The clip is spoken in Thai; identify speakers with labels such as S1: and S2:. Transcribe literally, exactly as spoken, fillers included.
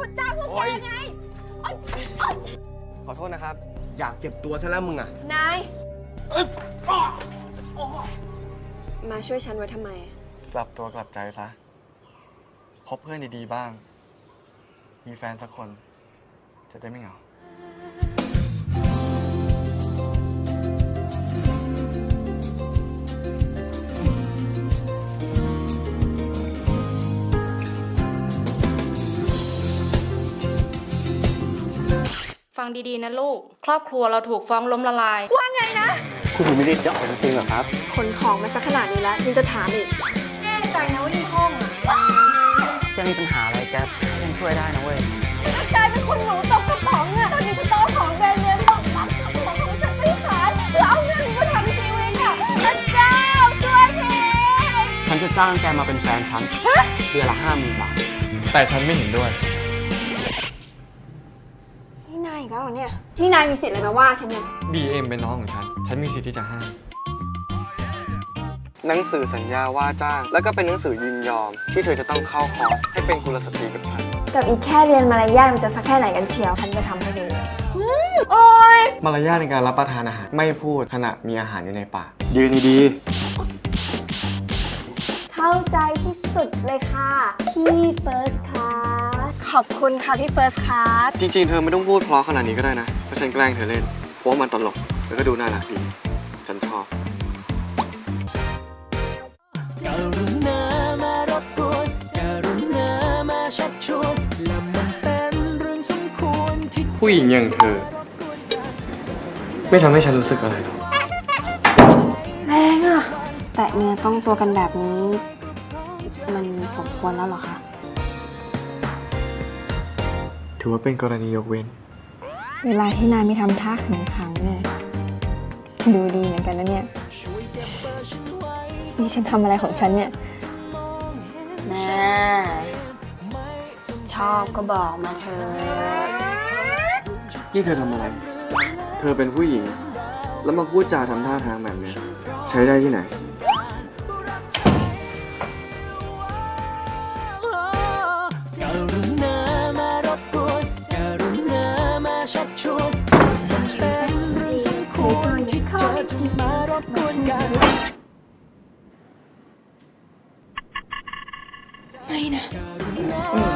S1: คนจ้างพวกแกไง
S2: ขอโทษนะครับ อยากเจ็บตัวซะแล้วมึงอะ
S1: นายมาช่วยฉันไว้ทำไม
S3: กลับตัวกลับใจซะคบเพื่อนดีๆบ้าง มีแฟนสักคนจะได้ไม่เหงา
S4: ฟังดีๆนะลูก ครอบครัวเราถูกฟ้องล้มละลาย
S1: ว่าไงนะ
S2: คุณไม่ได้จะออกจริงๆหรอครับ
S1: ขนของมาสักขนาดนี้แล้วยังจะถามอีกแน่ใจนะว่าในห้องอ่ะ
S2: จะมีปัญหาอะไรแกยังช่วยได้นะเว้ย
S1: กลายเป็นคนหนูตกกระป๋องอ่ะตอนนี้ฉันต้องของแบรนด์เนมตกรับของของฉันไม่ขายแล้วเอาเงินมาทำทีวีอ่ะพระเจ้าช่วยที
S2: ฉันจะจ้างแกมาเป็นแฟนฉันเดือนละห้าหมื่นบาท
S3: แต่ฉันไม่เห็นด้วย
S1: นี่นายอีกแล้วเหรอเนี่ยนี่นายมีสิทธิ์อะไรมาว่าฉันเนี่ย
S3: บีเอ็มเป็นน้องของฉันฉันมีสิทธิ์ที่จะห้าม
S2: หนังสือสัญญาว่าจ้างแล้วก็เป็นหนังสือยินยอมที่เธอจะต้องเข้าคอร์สให้เป็นกุลสตรีกับฉัน
S1: กับอีกแค่เรียนมารยาทมันจะสักแค่ไหนกันเชียวฉันจะทำให้ดูโอ๊ย
S3: มารยาทในการรับประทานอาหารไม่พูดขณะมีอาหารอยู่ในปาก
S2: ยืนดี
S1: เข้าใจที่สุดเลยค่ะพี่ First Class ขอบคุณค่ะพี่ First Class
S3: จริงๆเธอไม่ต้องพูดเพราะขนาดนี้ก็ได้นะเพราะฉันแกล้งเธอเล่นเพราะว่ามันตลกแล้วก็ดูน่ารักดีฉันชอบ
S5: กรุณามารบกวนกรุณามาชักชวนและมันเป็นเรื่องสมควรที่
S3: ผู้หญิงอย่างเธอไม่ทำให้ฉันรู้สึกอะไรหรอก
S1: แรงอ่ะแตะเนื้อต้องตัวกันแบบนี้มันสมควรแล้วเหรอคะ
S3: ถือว่าเป็นกรณียกเว้น
S1: เวลาที่นายไม่ทำท่าขึงขังเนี่ยดูดีเหมือนกันนะเนี่ยนี่ฉันทำอะไรของฉันเนี่ยแม่ชอบก็บอกมาเธอ
S3: นี่เธอทำอะไรเธอเป็นผู้หญิงแล้วมาพูดจาทำท่าทางแบบนี้ใช้ได้ที่ไหน
S5: กรุณามารบกวนกรุณามาชักชวนมันเป็นเรื่องสมควรที่เธอจะมารบกวนกัน
S1: ไม่นะ